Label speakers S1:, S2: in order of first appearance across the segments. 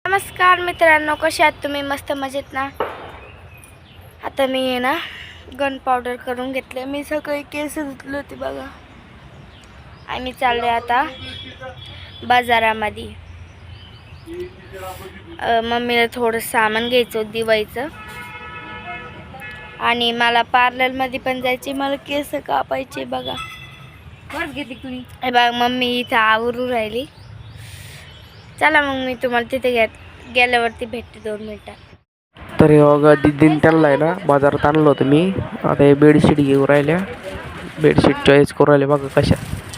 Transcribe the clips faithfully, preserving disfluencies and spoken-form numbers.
S1: नमस्कार मित्रांनो, कसे आहात तुम्ही? मस्त मजेत ना? आता मी आहे ना गन पावडर करून घेतले. मी सकाळी केस धुतले होते बघा, आणि चालले आता बाजारामध्ये. मम्मीला थोडं सामान घ्यायचं होतं दिवाळीचं, आणि मला पार्लरमध्ये पण जायचे, मला केस कापायचे बघा.
S2: बरं घेते तुम्ही.
S1: हे बघा मम्मी इथं आवरू राहिली. चला मग मी तुम्हाला तिथे गे गेल्यावरती भेटते दोन मिनटात.
S3: तर हे बघा दीदीने त्यांना आहे ना बाजारात आणलं होतं मी. आता हे बेडशीट घेऊन राहिल्या, बेडशीट चॉईस करू राहिले बघा कशा.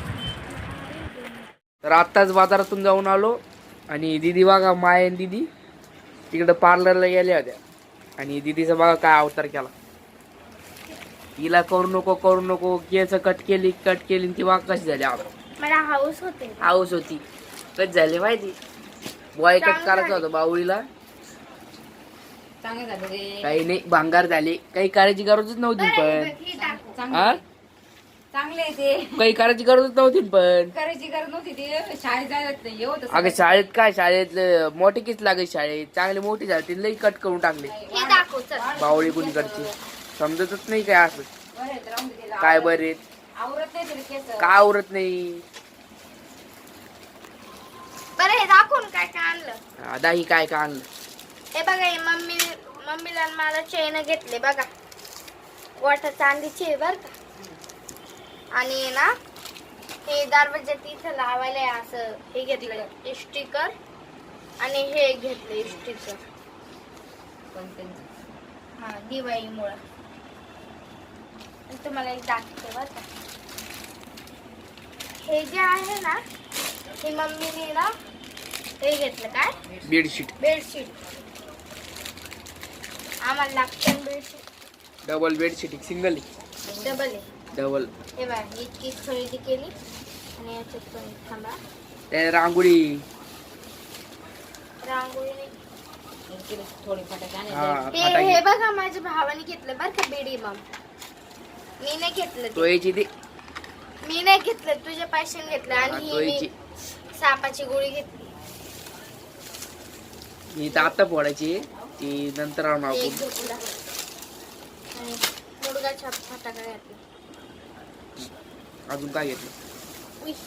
S3: तर आत्ताच बाजारातून जाऊन आलो, आणि दीदी बघा माय आणि दीदी तिकडं पार्लरला गेल्या होत्या, आणि दीदीचा बघा काय अवतार केला. हिला करू नको करू नको केस कट केली कट केली ती बघा कशी झाली.
S1: मला हाऊस होते
S3: हाऊस होती, कट झाली माहिती. बॉय कट करायचं होतं बावळीला,
S2: चांगलं झालं रे.
S3: काही नाही भांगार झाले, काही करायची गरजच नव्हती पण. हा
S2: चांगले ते
S3: काही करायची गरजच नव्हती पण.
S2: करायची गरज नव्हती. ते शाळेत जायला नाही होत.
S3: अगं शाळेत काय, शाळेत मोठी किस लागायची, शाळेत चांगली मोठी झाली ती लई कट करून टाकली बावळी कुणीकडची. समजतच नाही काय असं काय बरे
S2: आवरत नाही तरी केस.
S3: का आवरत नाही.
S1: बरं हे दाखवून काय काय आणलं.
S3: आता ही काय का आणलं.
S1: हे बघा, हे मम्मी मम्मीला आणि मला चेन घेतले बघा, वाटा चांदीची आहे बरं का. आणि ना हे दरवाज्यात इथं लावायला आहे असं हे घेतलं स्टिकर, आणि हे घेतलं स्टिकर हा दिवाळीमुळं. आणि तुम्हाला एक दाखवते बरं का. हे जे आहे ना, हे मम्मीने ना हे घेतलं काय
S3: बेडशीट,
S1: बेडशीट. आम्हाला लागते bedsheet.
S3: Double bedsheet single
S1: double आहे.
S3: डबल.
S1: हे बघा इतकी खरेदी केली, आणि याच्यात पण थांबा
S3: त्या रांगोळी
S1: रांगोळी नाही.
S2: थोडी फटाके
S3: हा
S1: हे
S3: फटाके.
S1: हे बघा माझ्या भावाने घेतलं बरं का बीडी मम. मी नाही घेतलं
S3: तो
S1: ते.
S3: यायची ती
S1: मी नाही घेतलं, तुझ्या पैशाने घेतलं.
S3: हा,
S1: आणि
S3: तो
S1: ही
S3: यायची.
S1: मी सापाची गोळी घेतली.
S3: ही तर आता फोडायची, ती नंतर आणू
S1: एक
S3: आपण.
S1: घेतला आणि मुडगाचा फटाका घेतला.
S3: अजून काय घेतलं.
S1: उई.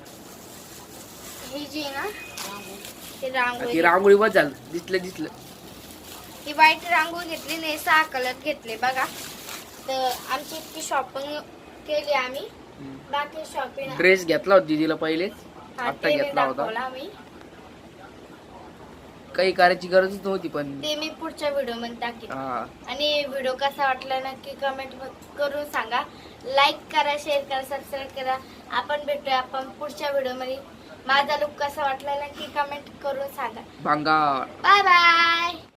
S1: ही जी आहे ना ती
S3: ती
S1: रांगोळी,
S3: रांगोळी बस झालं, दिसलं दिसलं.
S1: ही व्हाईट रांगोळी घेतली नाही, सहा कलर घेतले बघा. तर आमची इतकी शॉपिंग केली आम्ही. बाकी शॉपिंग
S3: ड्रेस घेतला होता दीदीला पहिलेच, आता घेतला होता.
S1: मी
S3: काही करायची गरजच नव्हती पण.
S1: ते मी पुढच्या व्हिडिओ मध्ये टाकेन.
S3: हा
S1: आणि व्हिडिओ कसा वाटला नक्की कमेंट करून सांगा. लाईक करा, शेअर करा, सबस्क्राईब करा. आपण भेटूया आपण पुढच्या व्हिडिओ मध्ये. माझा लुक कसा वाटला नक्की कमेंट करून सांगा.
S3: भांगार.
S1: Bye bye.